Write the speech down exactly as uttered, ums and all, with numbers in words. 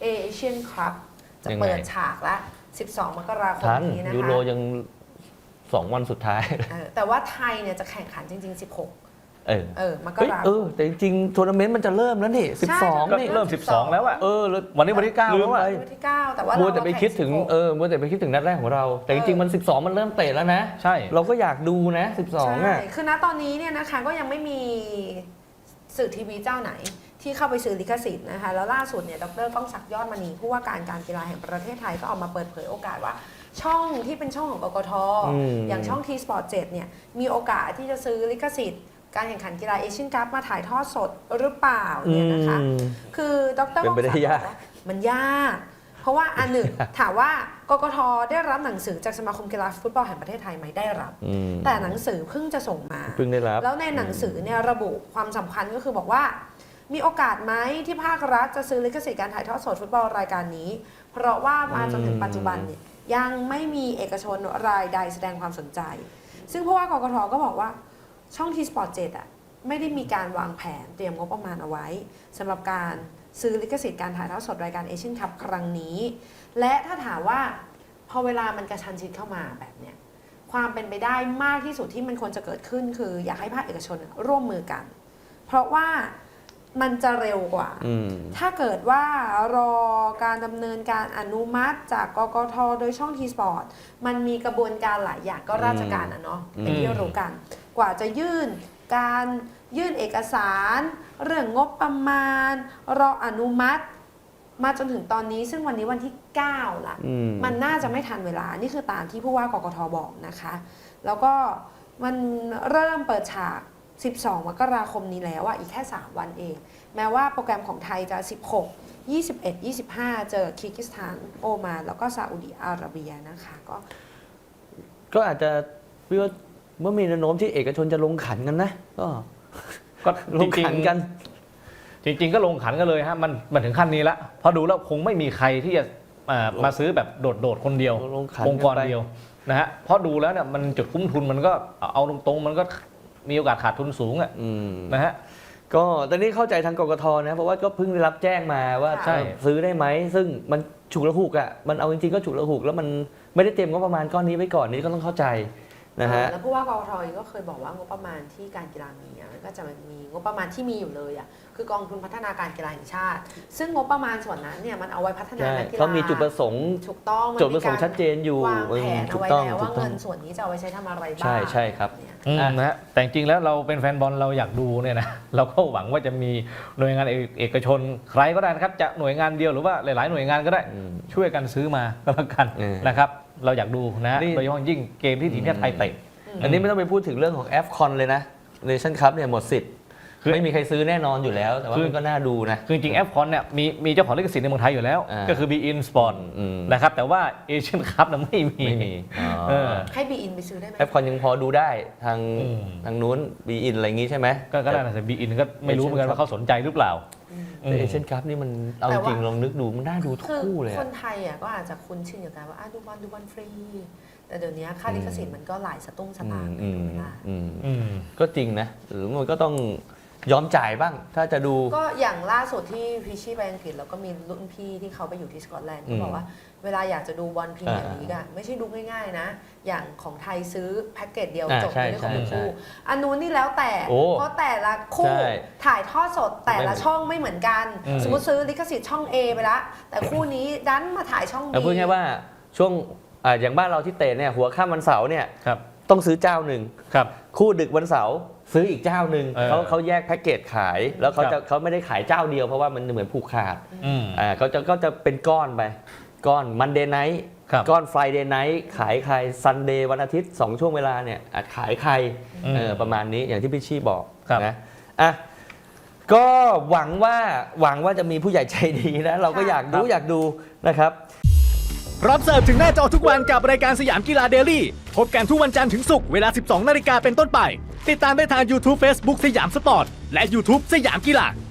เอเชียนคัพจะเปิดฉากละสิบสองมกราคมนี้นะคะยูโรยังสองวันสุดท้ายแต่ว่าไทยเนี่ยจะแข่งขันจริงๆสิบหกเออเออมกราคมเออแต่จริงๆทัวร์นาเมนต์มันจะเริ่มแล้วนี่สิบสองนี่เริ่มสิบสองแล้วอะเออวันนี้วันที่เก้าแล้วอะวันที่เก้าแต่ว่ามัวแต่ไปคิดถึงเออมัวแต่ไปคิดถึงนัดแรกของเราแต่จริงๆมันสิบสองมันเริ่มเตะแล้วนะใช่เราก็อยากดูนะสิบสองอ่ะคือณตอนนี้เนี่ยนะคะก็ยังไม่มีสื่อทีวีเจ้าไหนที่เข้าไปซื้อลิขสิทธิ์นะคะแล้วล่าสุดเนี่ยดร.ก้องศักดิ์ยอดมณีผู้ว่าการการกีฬาแห่งประเทศไทยก็ออกมาเปิดเผยโอกาสว่าช่องที่เป็นช่องของกกท.อย่างช่อง ที สปอร์ต เจ็ดเนี่ยมีโอกาสที่จะซื้อลิขสิทธิ์การแข่งขันกีฬาเอเชียนคัพมาถ่ายทอดสดหรือเปล่าเนี่ยนะคะคือดร.ก้องศักดิ์บอกว่ามันยากเพราะว่าอันหนึ่งถามว่ากกท.ได้รับหนังสือจากสมาคมกีฬาฟุตบอลแห่งประเทศไทยไหมได้รับแต่หนังสือเพิ่งจะส่งมาเพิ่งได้รับแล้วในหนังสือเนี่ยระบุความสำคัญก็คือบอกว่ามีโอกาสไหมที่ภาครัฐจะซื้อลิขสิทธิ์การถ่ายทอดสดฟุตบอลรายการนี้เพราะว่ามาจนถึงปัจจุบันเนี่ยยังไม่มีเอกชนรายใดแสดงความสนใจซึ่งผู้ว่ากกท.ก็บอกว่าช่อง ที สปอร์ต เจ็ดอ่ะไม่ได้มีการวางแผนเตรียมงบประมาณเอาไว้สำหรับการซื้อลิขสิทธิ์การถ่ายทอดสดรายการเอเชียนคัพครั้งนี้และถ้าถามว่าพอเวลามันกระชันชิดเข้ามาแบบเนี้ยความเป็นไปได้มากที่สุดที่มันควรจะเกิดขึ้นคืออยากให้ภาคเอกชนร่วมมือกันเพราะว่ามันจะเร็วกว่าถ้าเกิดว่ารอการดำเนินการอนุมัติจากกกท.โดยช่อง ที สปอร์ต มันมีกระบวนการหลายอย่างก็ราชการอะเนาะเป็นที่รู้กันกว่าจะยื่นการยื่นเอกสารเรื่องงบประมาณรออนุมัติมาจนถึงตอนนี้ซึ่งวันนี้วันที่เก้าละมมันน่าจะไม่ทันเวลานี่คือตามที่ผู้ว่ากกท.บอกนะคะแล้วก็มันเริ่มเปิดฉากสิบสองมกราคมนี้แล้วอะอีกแค่สามวันเองแม้ว่าโปรแกรมของไทยจะสิบหก ยี่สิบเอ็ด ยี่สิบห้าเจอคีร์กิสถานโอมานแล้วก็ซาอุดิอาระเบียนะคะก็ก็อาจจะพี่ว่าเมื่อมีแนวโน้มที่เอกชนจะลงขันกันนะก็ก็ลงขันกันจริงๆก็ลงขันกันเลยฮะมันมันถึงขั้นนี้ละพอดูแล้วคงไม่มีใครที่จะมาซื้อแบบโดดๆคนเดียวองค์กรเดียวนะฮะเพราะดูแล้วเนี่ยมันจุดคุ้มทุนมันก็เอาตรงๆมันก็มีโอกาสขาดทุนสูงอ่ะนะฮะก็ตอนนี้เข้าใจทางกกท.นะเพราะว่าก็เพิ่งได้รับแจ้งมาว่าซื้อได้ไหมซึ่งมันฉุกละหุกอ่ะมันเอาจริงๆก็ฉุกละหุกแล้วมันไม่ได้เตรียมงบประมาณก้อนนี้ไว้ก่อนนี้ก็ต้องเข้าใจนะฮะแล้วผู้ว่ากกท.ก็เคยบอกว่างบประมาณที่การกีฬามีมันก็จะมีงบประมาณที่มีอยู่เลยอ่ะคือกองทุนพัฒนาการกีฬาแห่งชาติซึ่งงบประมาณส่วนนั้นเนี่ยมันเอาไว้พัฒนาการกีฬาเขามีจุดประสงค์ถูกต้องจุดประสงค์ชัดเจนอยู่วางแผนเอาไว้แล้วว่าเงินส่วนนี้จะเอาไว้ใช้ทำอะไรบ้างใช่ใช่ครับนะฮะแต่จริงแล้วเราเป็นแฟนบอลเราอยากดูเนี่ยนะเราก็หวังว่าจะมีหน่วยงานเอกชนใครก็ได้นะครับจะหน่วยงานเดียวหรือว่าหลายๆหน่วยงานก็ได้ช่วยกันซื้อมาก็แล้วกันนะครับเราอยากดูนะโดยเฉพาะยิ่งเกมที่ทีมชาติไทยเตะอันนี้ไม่ต้องไปพูดถึงเรื่องของ เอฟ คอน เลยนะเนชั่นคัพเนี่ยหมดสิทธิ์ไม่มีใครซื้อแน่นอนอยู่แล้วแต่ว่ามันก็น่าดูนะคือจริง เอฟ คอน เนี่ยมีมีเจ้าของลิขสิทธิ์ในเมืองไทยอยู่แล้วก็คือ บี อิน Sport นะครับแต่ว่าเอเชียนคัพน่ะไม่มีให้ บี อิน ไปซื้อได้ไหมเอฟ คอน ยังพอดูได้ทางทางนู้น บี อิน อะไรอย่างงี้ใช่ไหมก็ได้แต่ บี อิน ก็ไม่รู้เหมือนกันว่าเขาสนใจหรือเปล่าแต่เอเชียนคัพนี่มันเอาจริงลองนึกดูมันน่าดูทุกคู่เลยคนไทยอ่ะก็อาจจะคุ้นชินกับการว่าดูบอลดูบอลฟรีแต่เดี๋ยวนี้ค่าลิขสิทธิ์มันก็หลายสตุ้งสตางค์ก็จริงนะหรือมันก็ต้องยอมจ่ายบ้างถ้าจะดูก็อย่างล่าสุดที่พิชชี่ไปอังกฤษแล้วก็มีรุ่นพี่ที่เขาไปอยู่ที่สกอตแลนด์เขาบอกว่าเวลาอยากจะดูบอลพรีเมียร์ลีกอะไม่ใช่ดูง่ายๆนะอย่างของไทยซื้อแพ็กเกจเดียวจบในเรื่องของคู่อันนู้นนี่แล้วแต่เพราะแต่ละคู่ถ่ายทอดสดแต่ละช่องไม่เหมือนกันสมมติซื้อลิขสิทธิ์ช่อง A ไปละแต่คู่นี้ดันมาถ่ายช่อง B พูดง่ายว่าช่วงอย่างบ้านเราที่เตะเนี่ยหัวค่ำวันเสาร์เนี่ยต้องซื้อเจ้าหนึ่งคู่ดึกวันเสาร์ซื้ออีกเจ้าหนึ่งเขาเขาแยกแพ็กเกจขายแล้วเขาจะเขาไม่ได้ขายเจ้าเดียวเพราะว่ามันเหมือนผูกขาดอ่าเขาจะก็จะเป็นก้อนไปก้อนมันเดย์ไนท์ก้อนไฟเดย์ไนท์ขายใครซันเดย์วันอาทิตย์สองช่วงเวลาเนี่ยขายใครเออประมาณนี้อย่างที่พี่ชี่บอกนะอ่ะก็หวังว่าหวังว่าจะมีผู้ใหญ่ใจดีนะเราก็อยากดูอยากดูนะครับรับเสิร์ฟถึงหน้าจอทุกวันกับรายการสยามกีฬาเดลี่พบกันทุกวันจันทร์ถึงศุกร์เวลา สิบสองนาฬิกาเป็นต้นไปติดตามได้ทาง YouTube Facebook สยามสปอร์ตและ YouTube สยามกีฬา